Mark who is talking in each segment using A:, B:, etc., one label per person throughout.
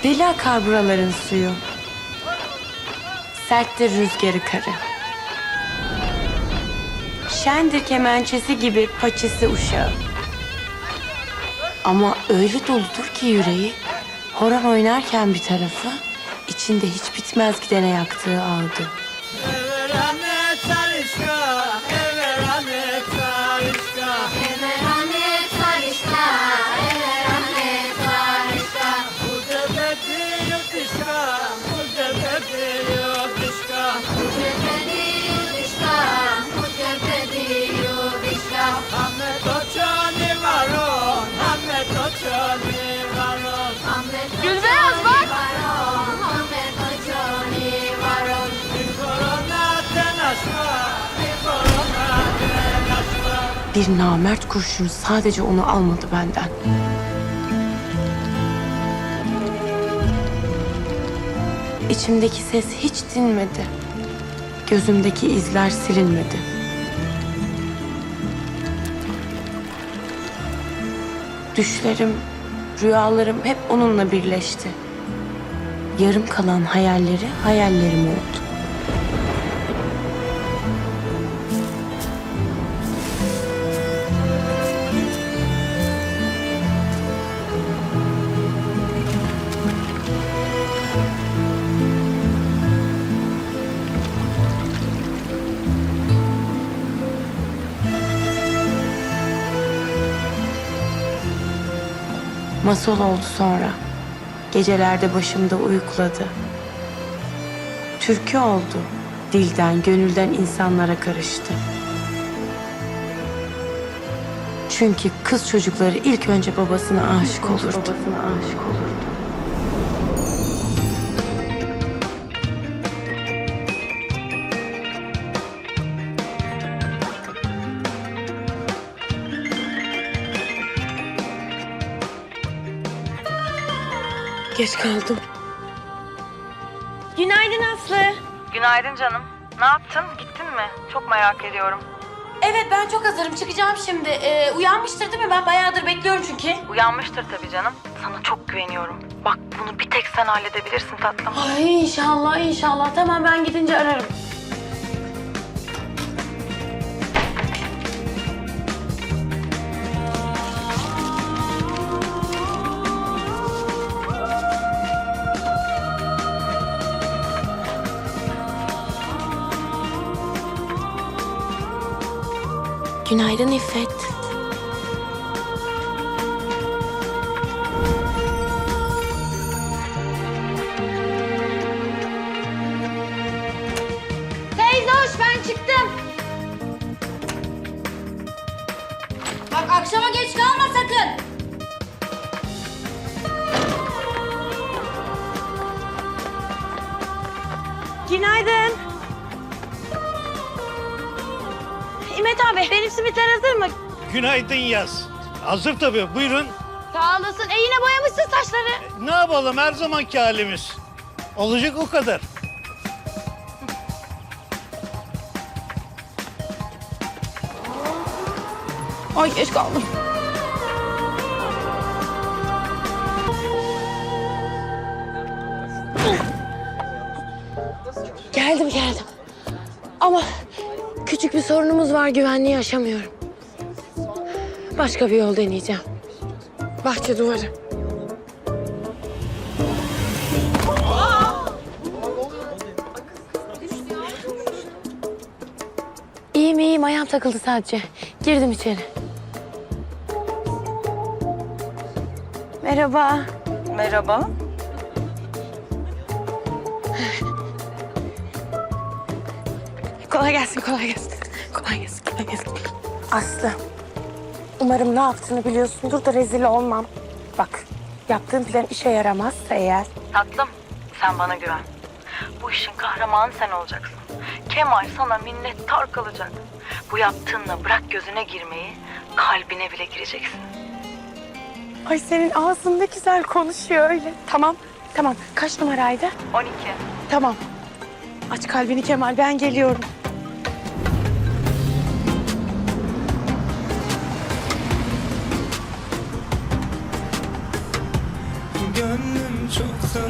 A: Deli akar buraların suyu. Serttir rüzgarı karı. Şendir kemençesi gibi paçası uşağı. Ama öyle doludur ki yüreği, horon oynarken bir tarafı, içinde hiç bitmez gidene yaktığı ağdı.
B: Gülbeyaz bak!
A: Bir namert kurşun sadece onu almadı benden. İçimdeki ses hiç dinmedi. Gözümdeki izler silinmedi. Düşlerim, rüyalarım hep onunla birleşti. Yarım kalan hayalleri hayallerim oldu. Masal oldu sonra. Gecelerde başımda uyukladı. Türkü oldu. Dilden, gönülden insanlara karıştı. Çünkü kız çocukları ilk önce babasına aşık olurdu. Geç kaldım. Günaydın Aslı.
C: Günaydın canım. Ne yaptın? Gittin mi? Çok merak ediyorum.
A: Evet, ben çok hazırım. Çıkacağım şimdi. Uyanmıştır değil mi? Ben bayağıdır bekliyorum çünkü.
C: Uyanmıştır tabii canım. Sana çok güveniyorum. Bak bunu bir tek sen halledebilirsin tatlım.
A: Ay inşallah, inşallah. Tamam, ben gidince ararım. Günaydın İffet.
B: Teyze hoş, ben çıktım. Bak akşama geç kalma sakın.
A: Günaydın. İmet abi, benim simitler hazır mı?
D: Günaydın Yaz. Hazır tabii, buyurun.
B: Sağ olasın. Yine boyamışsın saçları.
D: Ne yapalım, her zamanki halimiz. Olacak o kadar.
A: Ay geç kaldım. Geldim. Ama küçük bir sorunumuz var, güvenliği aşamıyorum. Başka bir yol deneyeceğim. Bahçe duvarı. İyiyim, ayağım takıldı sadece. Girdim içeri. Merhaba.
C: Merhaba.
A: Kolay gelsin. Aslı, umarım ne yaptığını biliyorsundur da rezil olmam. Bak, yaptığın plan işe yaramazsa eğer...
C: Tatlım sen bana güven. Bu işin kahramanı sen olacaksın. Kemal sana minnettar kalacak. Bu yaptığınla bırak gözüne girmeyi, kalbine bile gireceksin.
A: Ay senin ağzın ne güzel konuşuyor öyle. Tamam. Kaç numaraydı?
C: 12.
A: Tamam. Aç kalbini Kemal, ben geliyorum.
E: Gönlüm çoktan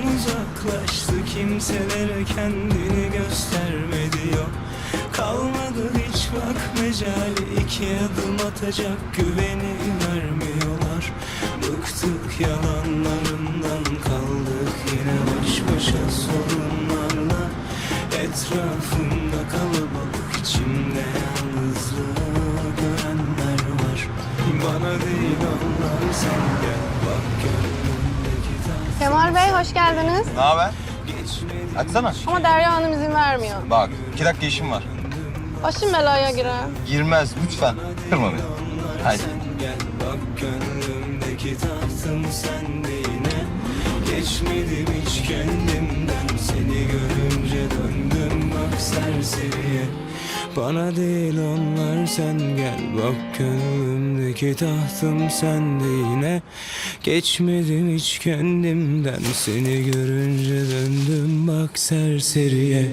E: kimselere kendini göstermedi yok. Kalmadı hiç bak mecali, iki adım atacak güveni vermiyorlar. Bıktık yalanlarından, kaldık yine baş başa sorunlarla. Etrafımda kalabalık, içimde yalnızlığı görenler var. Bana değil onlar, sen gel bak gönlümdeki taht.
F: Kemal Bey hoş geldiniz.
G: Ne haber? Açsana.
F: Ama Derya Hanım izin vermiyor.
G: Bak, 2 dakika işim var.
F: Başım belaya girer.
G: Girmez lütfen. Kırma beni. Haydi.
E: Gel bak gönlümdeki tahtım sende yine. Geçmedim hiç kendimden, seni görünce döndüm bak serseriye. Bana değil onlar, sen gel bak gönlümdeki tahtım sende yine. Geçmedim hiç kendimden, seni görünce döndüm bak serseriye.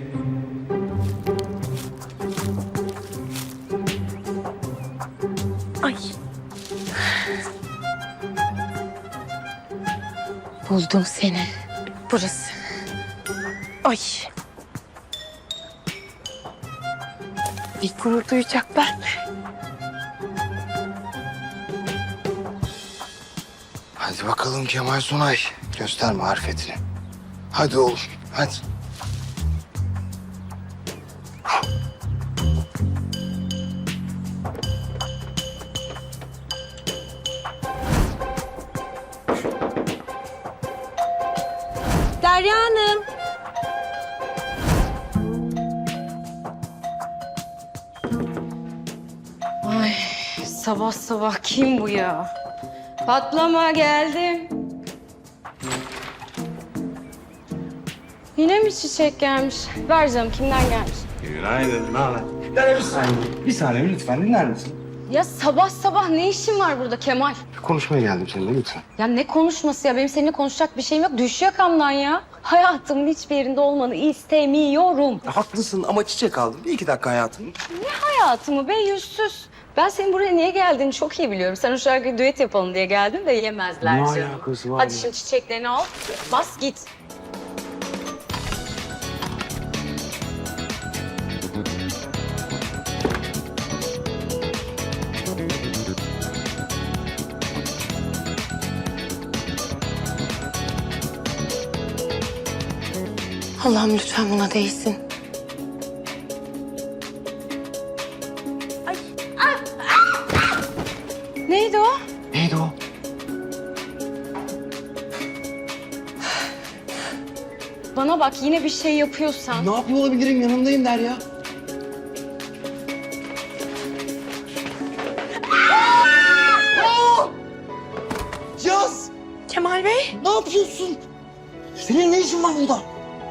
A: Ay. Buldum seni. Burası. Ay. Bir gurur duyacaklar.
G: Hadi bakalım Kemal Sunay. Göster marifetini. Hadi oğlum, hadi.
A: Derya Hanım.
B: Ay sabah sabah kim bu ya? Patlama geldim. Yine mi çiçek gelmiş? Ver canım kimden gelmiş?
G: Günaydın, ne haber? Bir saniye lütfen dinler misin?
B: Ya sabah sabah ne işin var burada Kemal?
G: Konuşmaya geldim seninle lütfen.
B: Ya ne konuşması ya? Benim seninle konuşacak bir şeyim yok. Düş yakamdan ya. Hayatımın hiçbir yerinde olmanı istemiyorum.
G: Haklısın ama çiçek aldım. Bir 2 dakika hayatım.
B: Hayatımı be yüzsüz. Ben senin buraya niye geldiğini çok iyi biliyorum. Sen o şarkıyı düet yapalım diye geldin de yemezler
G: Ne
B: canım.
G: alakası var
B: Hadi
G: ya?
B: şimdi çiçeklerini al. Bas git.
A: Allah'ım lütfen buna değsin.
B: Neydi o?
G: Neydi o?
B: Bana bak yine bir şey yapıyorsan.
G: Ne yapıyor olabilirim? Yanındayım Derya. Yaz!
A: Kemal Bey.
G: Ne yapıyorsun? Senin ne işin var burada?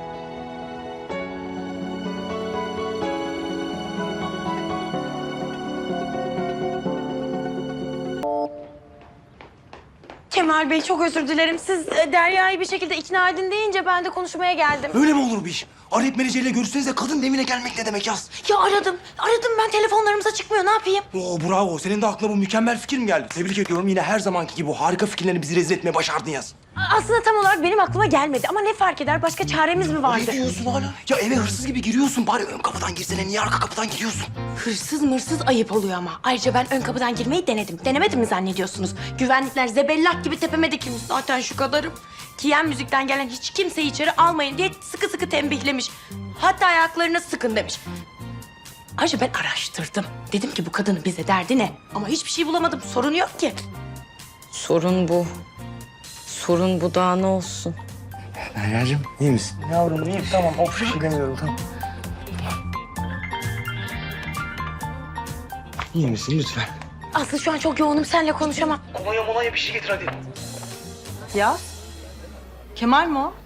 A: Kemal Bey çok özür dilerim. Siz Derya'yı bir şekilde ikna edin deyince ben de konuşmaya geldim.
H: Böyle mi olur bu iş? Arayıp menajeriyle görüşsenize kadın evine gelmek ne demek Yaz?
A: Ya aradım. Aradım ben telefonlarımıza çıkmıyor. Ne yapayım?
H: Oo bravo. Senin de aklına bu mükemmel fikir mi geldi? Tebrik ediyorum. Yine her zamanki gibi bu harika fikirlerini bizi rezil etmeye başardın Yaz.
A: Aslında tam olarak benim aklıma gelmedi. Ama ne fark eder? Başka çaremiz mi vardı?
H: Ne diyorsun hala? Ya eve hırsız gibi giriyorsun. Bari ön kapıdan girsene. Niye arka kapıdan giriyorsun?
A: Hırsız mırsız ayıp oluyor ama. Ayrıca ben ön kapıdan girmeyi denedim. Denemedim mi zannediyorsunuz? Güvenlikler zebellak gibi tepeme dikilmiş. Zaten şu kadarım. Kiyen müzikten gelen hiç kimseyi içeri almayın diye sıkı sıkı tembihlemiş. Hatta ayaklarına sıkın demiş. Ayrıca ben araştırdım. Dedim ki bu kadının bize derdi ne? Ama hiçbir şey bulamadım. Sorun yok ki.
B: Sorun bu. Sorun bu daha ne olsun?
G: Derya'cığım iyi misin? Yavrum iyiyim tamam. Of bir şey demiyorum tamam. İyi misin lütfen?
A: Aslı şu an çok yoğunum. Seninle konuşamam.
H: Kolonya bir şey getir hadi.
C: Ya? Kemal mi o?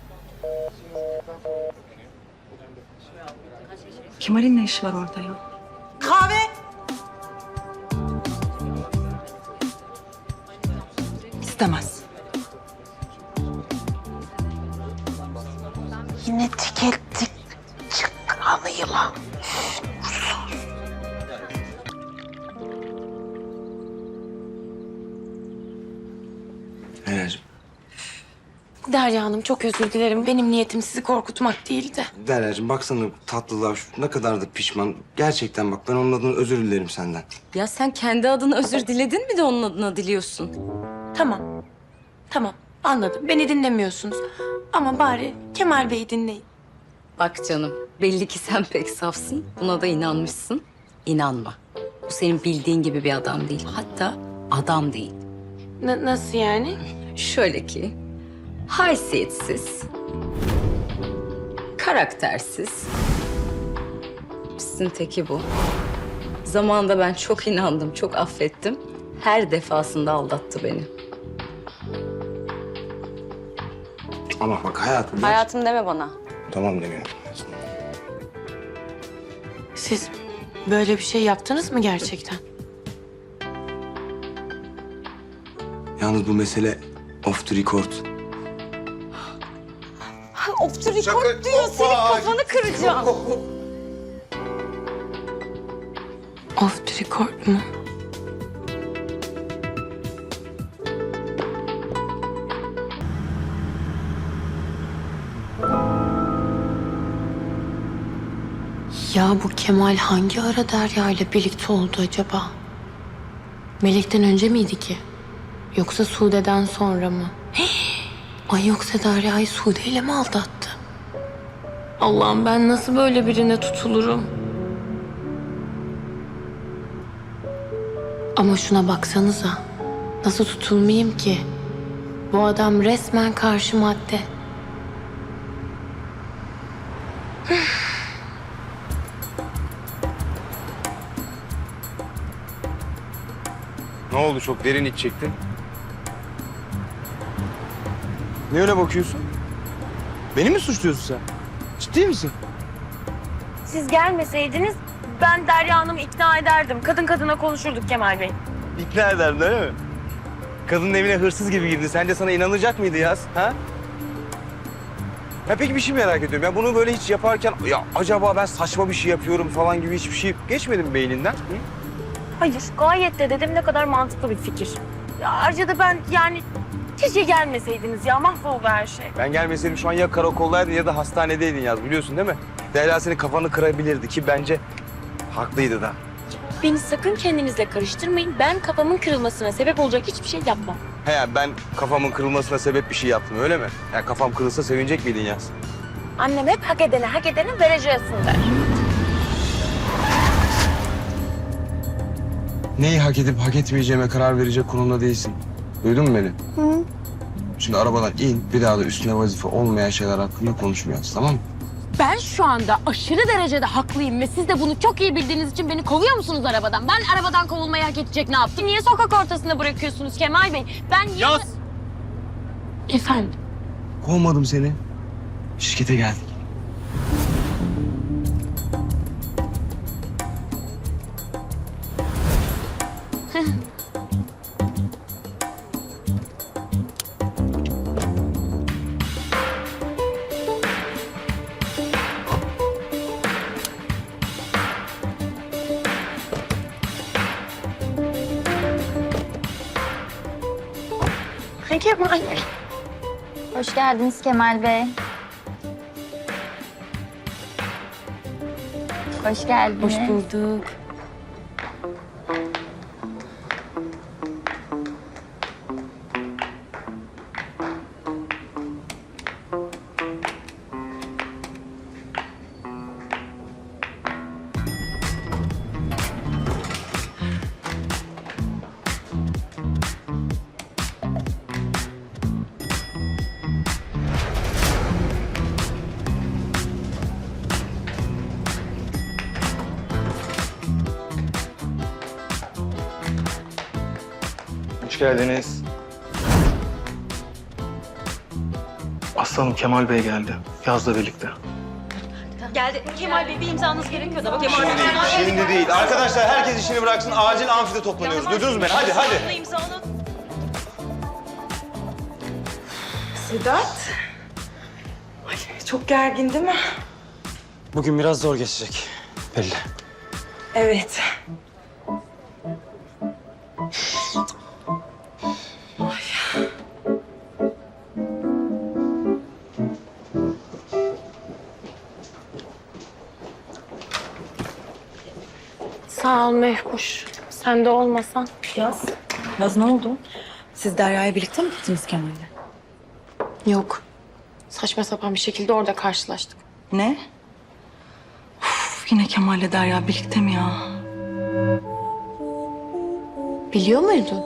C: Kemal'in ne işi var orada ya?
A: Kahve.
C: İstemez.
A: Yine tükettik. Çıkalı yılan.
G: Derya'cığım.
A: Derya Hanım çok özür dilerim. Benim niyetim sizi korkutmak değildi.
H: Derya'cığım baksana tatlılığa ne kadar da pişman. Gerçekten bak ben onun adına özür dilerim senden.
B: Ya sen kendi adına özür diledin mi de onun adına diliyorsun?
A: Tamam. Tamam anladım. Beni dinlemiyorsunuz. Ama bari Kemal Bey'i dinleyin.
B: Bak canım, belli ki sen pek safsın. Buna da inanmışsın. İnanma. Bu senin bildiğin gibi bir adam değil. Hatta adam değil.
A: Nasıl yani?
B: Şöyle ki, haysiyetsiz, karaktersiz. Pissin teki bu. Zamanında ben çok inandım, çok affettim. Her defasında aldattı beni.
H: Ama bak hayatım.
B: Hayatım deme bana.
H: Tamam demiyorum.
A: Siz böyle bir şey yaptınız mı gerçekten?
H: Yalnız bu mesele off the record.
B: Off the record diyor, senin kafanı kıracağım.
A: Off the record mu? Ya bu Kemal hangi ara Derya ile birlikte oldu acaba? Melek'ten önce miydi ki? Yoksa Sude'den sonra mı? Ay yoksa Derya'yı Sude ile mi aldattı? Allah'ım ben nasıl böyle birine tutulurum? Ama şuna baksanıza. Nasıl tutulmayayım ki? Bu adam resmen karşı madde.
H: Ne oldu çok derin iç çektin? Ne öyle bakıyorsun? Beni mi suçluyorsun sen? Ciddi misin?
A: Siz gelmeseydiniz ben Derya Hanım'ı ikna ederdim. Kadın kadına konuşurduk Kemal Bey.
H: İkna ederdin öyle mi? Kadının evine hırsız gibi girdi. Sence sana inanacak mıydı Yaz? Ha? Ya peki bir şey merak ediyorum. Ya bunu böyle hiç yaparken ya acaba ben saçma bir şey yapıyorum falan gibi hiçbir şey geçmedi mi beyninden? Hı?
A: Hayır gayet de dedim ne kadar mantıklı bir fikir. Ya ayrıca da ben yani keşke gelmeseydiniz ya mahvoldu her şey.
H: Ben gelmeseydim şu an ya karakoldaydın ya da hastanedeydin Yaz biliyorsun değil mi? Derya senin kafanı kırabilirdi ki bence haklıydı da.
A: Beni sakın kendinizle karıştırmayın. Ben kafamın kırılmasına sebep olacak hiçbir şey yapmam.
H: He ya ben kafamın kırılmasına sebep bir şey yaptım öyle mi? Ya kafam kırılsa sevinecek miydin Yaz?
A: Annem hep hak edene vereceksin der.
H: Neyi hak edip hak etmeyeceğime karar verecek konumda değilsin. Duydun mu beni? Hı. Şimdi arabadan in, bir daha da üstüne vazife olmayan şeyler hakkında konuşmayacağız, tamam mı?
A: Ben şu anda aşırı derecede haklıyım ve siz de bunu çok iyi bildiğiniz için beni kovuyor musunuz arabadan? Ben arabadan kovulmayı hak edecek ne yaptım? Niye sokak ortasında bırakıyorsunuz Kemal Bey? Ben
D: Yaz.
A: Efendim?
H: Kovmadım seni. Şirkete geldik.
A: Kemal Bey.
I: Hoş geldiniz Kemal Bey. Hoş geldiniz.
A: Hoş bulduk.
J: Hoş geldiniz. Aslanım Kemal Bey geldi. Yaz'la birlikte.
H: Şimdi değil. Arkadaşlar herkes işini bıraksın. Acil amfide toplanıyoruz. Duydunuz mu beni? Hadi hadi.
A: Sedat. Ay, çok gergin değil mi?
H: Bugün biraz zor geçecek. Belli.
A: Evet. Sağ ol Mehkuş. Sen de olmasan.
C: Yaz ne oldu? Siz Derya'ya birlikte mi gittiniz Kemal'le?
A: Yok. Saçma sapan bir şekilde orada karşılaştık.
C: Ne? Uf, yine Kemal'le Derya birlikte mi ya?
A: Biliyor muydun?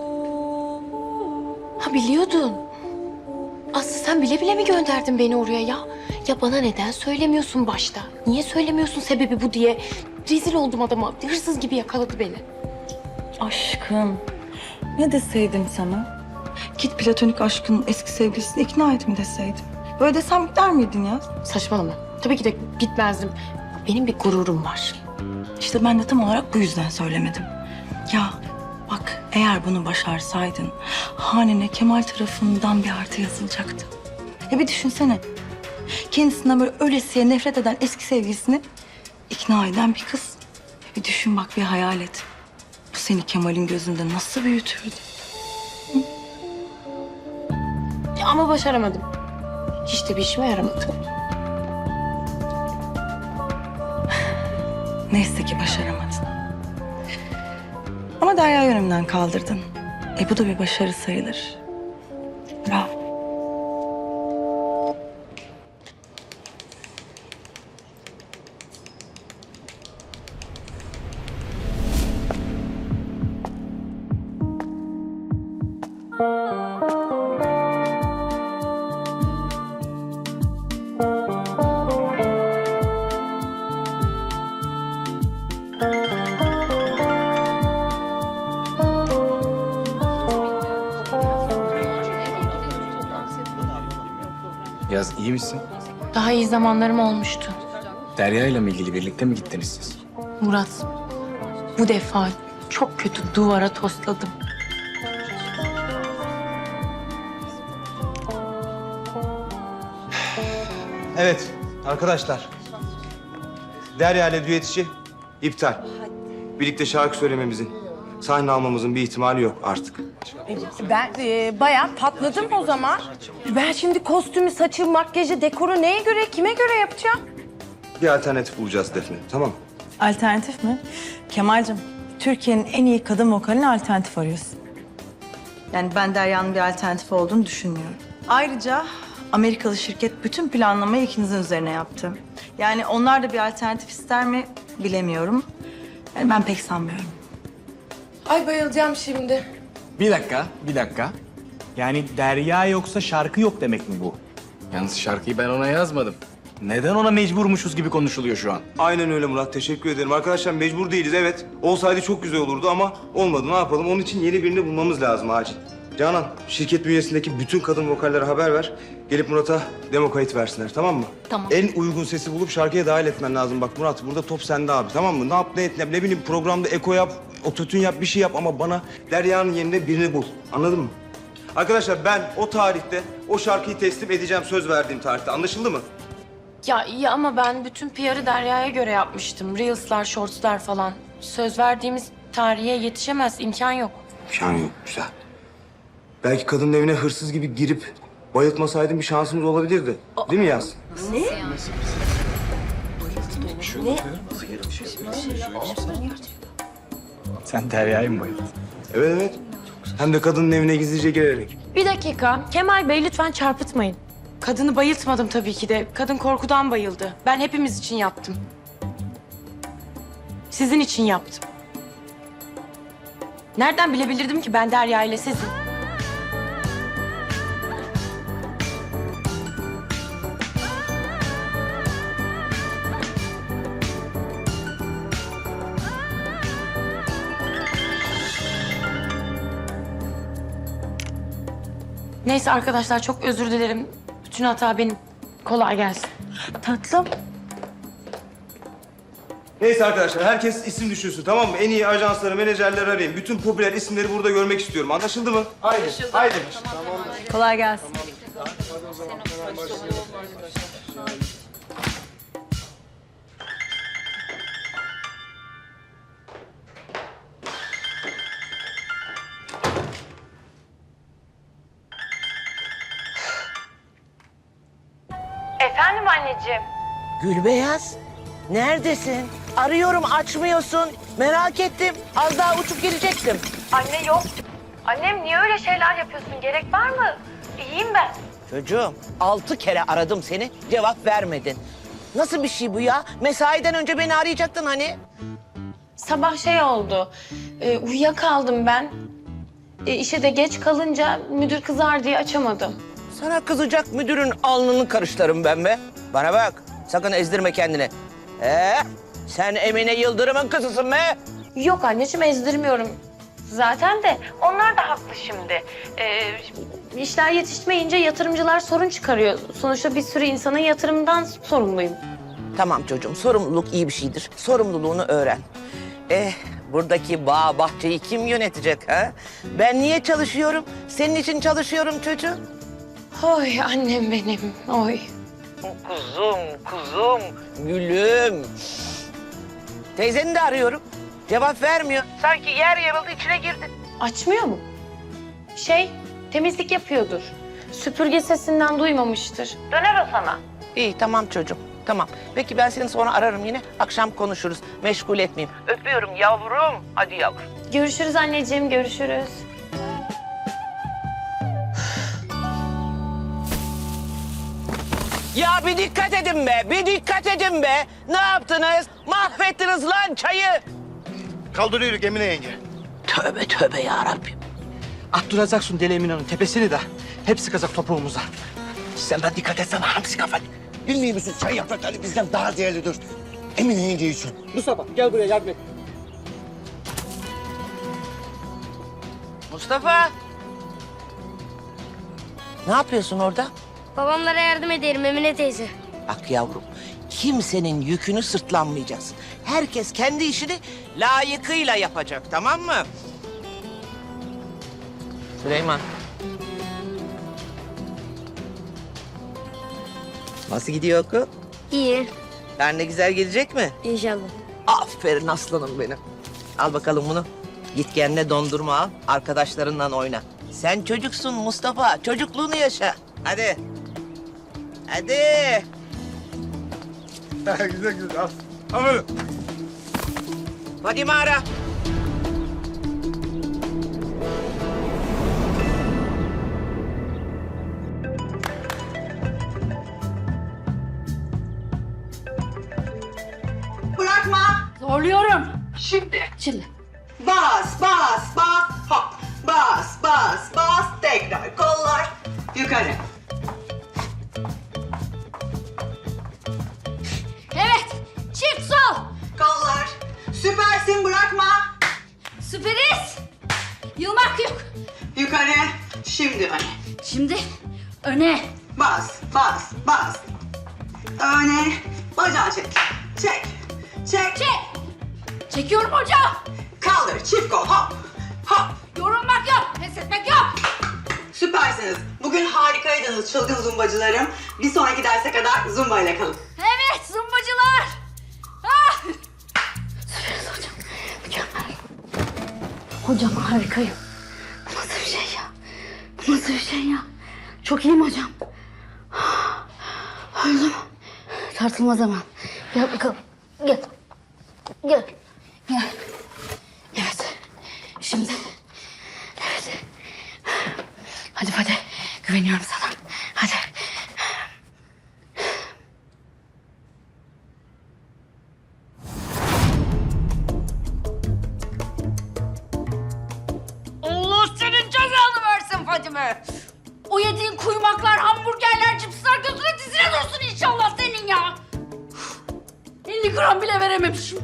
A: Ha biliyordun. Aslı sen bile bile mi gönderdin beni oraya ya? Ya bana neden söylemiyorsun başta? Niye söylemiyorsun sebebi bu diye? Rezil oldum adama. Hırsız gibi yakaladı beni.
C: Aşkım. Ne deseydim sana? Git platonik aşkının eski sevgilisini ikna et mi deseydim? Böyle desem gider miydin ya?
A: Saçmalama. Tabii ki de gitmezdim. Benim bir gururum var.
C: İşte ben de tam olarak bu yüzden söylemedim. Ya bak eğer bunu başarsaydın hanene Kemal tarafından bir artı yazılacaktı. Ya bir düşünsene. Kendisinden böyle ölesiye nefret eden eski sevgilisini ikna eden bir kız. Bir düşün bak, bir hayal et. Bu seni Kemal'in gözünde nasıl büyütürdü?
A: Ama başaramadım. Hiç de bir işime yaramadı.
C: Neyse ki başaramadın. Ama Derya'yı önümden kaldırdın. Bu da bir başarı sayılır. Bravo.
K: Yaz iyi misin?
A: Daha iyi zamanlarım olmuştu.
K: Derya ile mi ilgili birlikte mi gittiniz siz?
A: Murat, bu defa çok kötü duvara tosladım.
G: Evet arkadaşlar. Derya ile düet işi iptal. Birlikte şarkı söylememizin, sahne almamızın bir ihtimali yok artık.
F: Ben bayağı patladım o zaman. Ben şimdi kostümü, saçı, makyajı, dekoru neye göre, kime göre yapacağım?
G: Bir alternatif bulacağız Defne, tamam mı?
L: Alternatif mi? Kemal'cim, Türkiye'nin en iyi kadın vokaline alternatif arıyorsun. Yani ben Derya'nın bir alternatif olduğunu düşünmüyorum. Ayrıca Amerikalı şirket bütün planlamayı ikinizin üzerine yaptı. Yani onlar da bir alternatif ister mi bilemiyorum. Yani ben pek sanmıyorum.
A: Ay bayılacağım şimdi.
K: Bir dakika. Yani Derya yoksa şarkı yok demek mi bu? Yalnız şarkıyı ben ona yazmadım. Neden ona mecburmuşuz gibi konuşuluyor şu an?
G: Aynen öyle Murat, teşekkür ederim. Arkadaşlar mecbur değiliz, evet. Olsaydı çok güzel olurdu ama olmadı. Ne yapalım? Onun için yeni birini bulmamız lazım acil. Canan, şirket bünyesindeki bütün kadın vokallere haber ver. Gelip Murat'a demo kayıt versinler, tamam mı?
A: Tamam.
G: En uygun sesi bulup şarkıya dahil etmen lazım. Bak Murat, burada top sende abi, tamam mı? Ne yap, ne et, ne bileyim programda eko yap, ototün yap, bir şey yap ama bana Derya'nın yerine birini bul. Anladın mı? Arkadaşlar ben o tarihte o şarkıyı teslim edeceğim, söz verdiğim tarihte. Anlaşıldı mı?
A: Ya iyi ama ben bütün PR'ı Derya'ya göre yapmıştım. Reels'lar, shorts'lar falan. Söz verdiğimiz tarihe yetişemez, imkan yok.
G: İmkan yok, güzel. Belki kadının evine hırsız gibi girip bayıltmasaydım bir şansımız olabilirdi. Değil mi Yaz?
K: Sen Derya'yı mı bayıldın?
G: Evet evet. Hem de kadının evine gizlice girerek.
A: Bir dakika. Kemal Bey lütfen çarpıtmayın. Kadını bayıltmadım tabii ki de. Kadın korkudan bayıldı. Ben hepimiz için yaptım. Sizin için yaptım. Nereden bilebilirdim ki ben Derya ile sizin? Neyse arkadaşlar çok özür dilerim. Bütün hata benim. Kolay gelsin.
L: Tatlım.
G: Neyse arkadaşlar herkes isim düşünsün, tamam mı? En iyi ajansları, menajerleri arayın. Bütün popüler isimleri burada görmek istiyorum. Anlaşıldı mı? Haydi. Haydi.
L: Kolay gelsin.
A: Efendim anneciğim.
M: Gülbeyaz, neredesin? Arıyorum, açmıyorsun.
F: Merak ettim. Az daha uçup gelecektim.
A: Anne yok. Annem niye öyle şeyler yapıyorsun? Gerek var mı? İyiyim ben.
F: Çocuğum 6 kere aradım seni, cevap vermedin. Nasıl bir şey bu ya? Mesaiden önce beni arayacaktın hani.
A: Sabah şey oldu. Uyuyakaldım ben. İşe de geç kalınca müdür kızar diye açamadım.
F: Sana kızacak müdürün alnını karıştırırım ben be. Bana bak, sakın ezdirme kendini. Sen Emine Yıldırım'ın kızısın be.
A: Yok anneciğim ezdirmiyorum. Zaten de onlar da haklı şimdi. İşler yetişmeyince yatırımcılar sorun çıkarıyor. Sonuçta bir sürü insanın yatırımdan sorumluyum.
F: Tamam çocuğum, sorumluluk iyi bir şeydir. Sorumluluğunu öğren. Buradaki bağ, bahçeyi kim yönetecek ha? Ben niye çalışıyorum? Senin için çalışıyorum çocuğum.
A: Oy annem benim, oy.
F: Kuzum, gülüm. Teyzeni de arıyorum. Cevap vermiyor. Sanki yer yarıldı içine girdi.
A: Açmıyor mu? Temizlik yapıyordur. Süpürge sesinden duymamıştır. Döner o sana.
F: İyi, tamam çocuğum. Tamam. Peki ben seni sonra ararım yine. Akşam konuşuruz. Meşgul etmeyeyim. Öpüyorum yavrum. Hadi yavrum.
A: Görüşürüz anneciğim, görüşürüz.
F: Ya bir dikkat edin be, bir dikkat edin be. Ne yaptınız? Mahvettiniz lan çayı.
D: Kaldırıyoruz Emine yenge.
F: Tövbe tövbe ya Rabbim.
J: Attıracaksın Deli Emine'nin tepesini de hep sıkacak topuğumuza. Sen de dikkat etsene hamsi kafanı.
D: Bilmiyor musun çay yaprakları bizden daha değerlidir. Emine yenge için.
J: Mustafa gel buraya yardım et.
F: Mustafa. Ne yapıyorsun orada?
I: Babamlara yardım ederim Emine teyze.
F: Bak yavrum, kimsenin yükünü sırtlanmayacağız. Herkes kendi işini layıkıyla yapacak, tamam mı? Süleyman. Nasıl gidiyor okul?
I: İyi.
F: Karne güzel gelecek mi?
I: İnşallah.
F: Aferin aslanım benim. Al bakalım bunu. Git kendine dondurma al, arkadaşlarınla oyna. Sen çocuksun Mustafa, çocukluğunu yaşa. Hadi. Hadi.
D: Güzel al. Aferin.
F: Fadime ara.
C: Bırakma.
A: Zorluyorum.
C: Şimdi. Bas, bas, bas, hop. Bas, bas, bas. Tekrar kollar yukarı.
I: Evet. Çift sol.
C: Kollar. Süpersin, bırakma.
I: Süperiz. Yılmak yok.
C: Yukarı. Şimdi öne.
I: Şimdi öne.
C: Bas, bas, bas. Öne. Bacağı çek. Çek. Çek.
I: Çek. Çekiyorum hocam.
C: Kaldır. Çift kol. Hop. Hop.
I: Yorulmak yok. Pes etmek yok.
C: Süpersiniz. Bugün harikaydınız çılgın zumbacılarım. Bir sonraki derse kadar zumba ile kalın.
I: Evet zumbacılar. Ah. Süperiz hocam. Mükemmel. Hocam harikayım. Bu nasıl bir şey ya? Bu nasıl bir şey ya? Çok iyiyim hocam. Öldüm. Tartılma zaman. Gel bakalım. Gel. Gel. Gel. Evet. Şimdi. Evet. Hadi hadi. Güveniyorum sana. Hadi. Allah senin cezanı versin Fadime. O yediğin kuymaklar, hamburgerler, cipsler gözüne dizine dursun inşallah senin ya. 50 gram bile verememişim.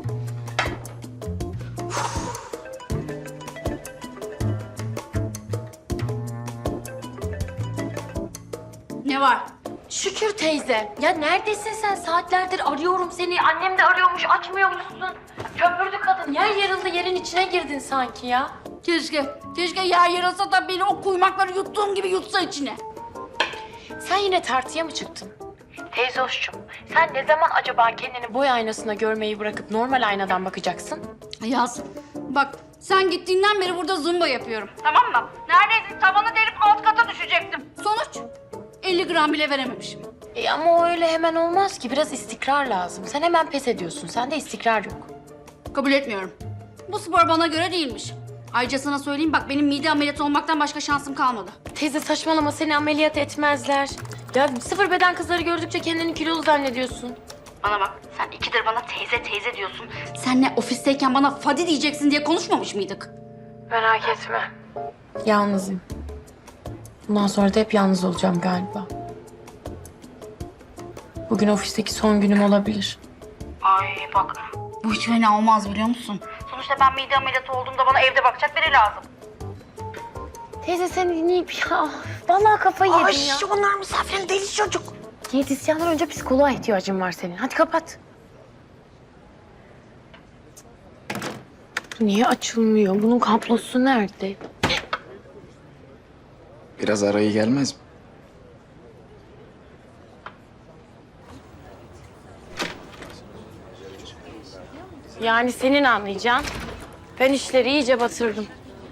I: Ne var?
A: Şükür teyze. Ya neredesin sen? Saatlerdir arıyorum seni. Annem de arıyormuş, açmıyormuşsun. Köpürdü kadın. Yer yarıldı, yerin içine girdin sanki ya.
I: Keşke yer yarılsa da beni o kuymakları yuttuğum gibi yutsa içine.
A: Sen yine tartıya mı çıktın? Teyze hoşçum, sen ne zaman acaba kendini boy aynasına görmeyi bırakıp normal aynadan bakacaksın?
I: Yaz, bak sen gittiğinden beri burada zumba yapıyorum. Tamam mı? Neredeyse tavanı delip alt kata düşecektim. Sonuç 50 gram bile verememişim.
A: Ama o öyle hemen olmaz ki. Biraz istikrar lazım. Sen hemen pes ediyorsun. Sende istikrar yok.
I: Kabul etmiyorum. Bu spor bana göre değilmiş. Ayrıca sana söyleyeyim bak benim mide ameliyatı olmaktan başka şansım kalmadı.
A: Teyze saçmalama, seni ameliyat etmezler. Ya sıfır beden kızları gördükçe kendini kilolu zannediyorsun.
I: Bana bak sen ikidir bana teyze teyze diyorsun. Senle ofisteyken bana Fadi diyeceksin diye konuşmamış mıydık?
A: Merak etme. Yalnızım. Bundan sonra da hep yalnız olacağım galiba. Bugün ofisteki son günüm olabilir.
I: Ay bak bu hiç fena olmaz biliyor musun? Sonuçta ben mide ameliyatı olduğumda bana evde bakacak biri lazım.
A: Teyze seni dinleyip ya. Vallahi kafayı yedim ya.
C: onlar misafirin deli çocuk.
A: Diyetisyandan önce psikoloğa ihtiyacın var senin. Hadi kapat. Niye açılmıyor? Bunun kablosu nerede?
K: Biraz arayı gelmez mi?
A: Yani senin anlayacağın. Ben işleri iyice batırdım.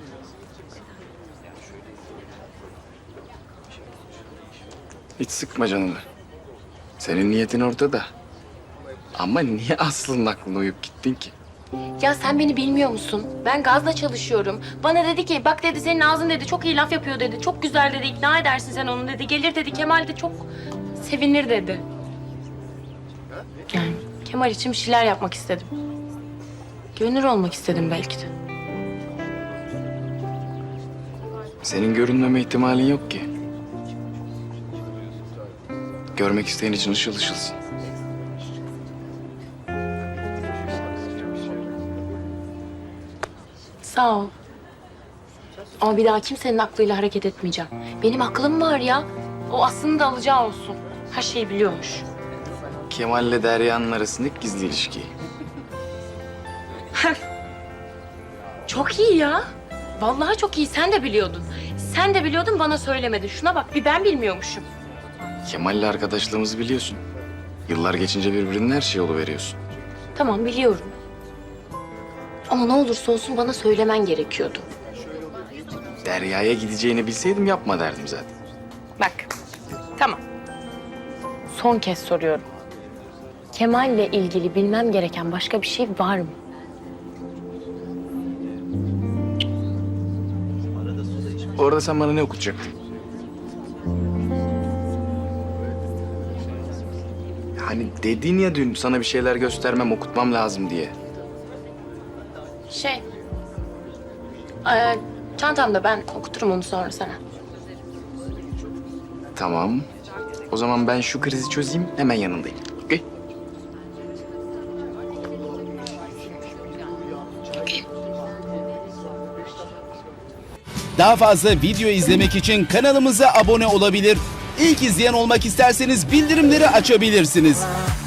K: Hiç sıkma canını. Senin niyetin ortada. Ama niye Aslı'nın aklına uyup gittin ki?
A: Ya sen beni bilmiyor musun? Ben gazla çalışıyorum. Bana dedi ki bak dedi senin ağzın dedi çok iyi laf yapıyor dedi. Çok güzel dedi ikna edersin sen onu dedi. Gelir dedi Kemal de çok sevinir dedi. Yani Kemal için bir şeyler yapmak istedim. Gönül olmak istedim belki de.
K: Senin görünmeme ihtimalin yok ki. Görmek isteyen için ışıl ışılsın.
A: Sağ ol. Ama bir daha kimsenin aklıyla hareket etmeyeceğim. Benim aklım var ya. O aslında da alacağı olsun. Her şeyi biliyormuş.
K: Kemal'le Derya'nın arasındaki gizli ilişki.
A: Çok iyi ya. Vallahi çok iyi. Sen de biliyordun. Sen de biliyordun bana söylemedin. Şuna bak bir ben bilmiyormuşum.
K: Kemal'le arkadaşlığımızı biliyorsun. Yıllar geçince birbirinin her şeyi oluveriyorsun.
A: Tamam biliyorum. Ama ne olursa olsun bana söylemen gerekiyordu.
K: Derya'ya gideceğini bilseydim yapma derdim zaten.
A: Bak. Tamam. Son kez soruyorum. Kemal'le ilgili bilmem gereken başka bir şey var mı?
K: Orada sen bana ne okutacaktın? Hani dedin ya dün sana bir şeyler göstermem, okutmam lazım diye.
A: Çantamda ben okuturum onu sonra sana.
K: Tamam. O zaman ben şu krizi çözeyim, hemen yanındayım. Okey?
M: Daha fazla video izlemek için kanalımıza abone olabilir. İlk izleyen olmak isterseniz bildirimleri açabilirsiniz.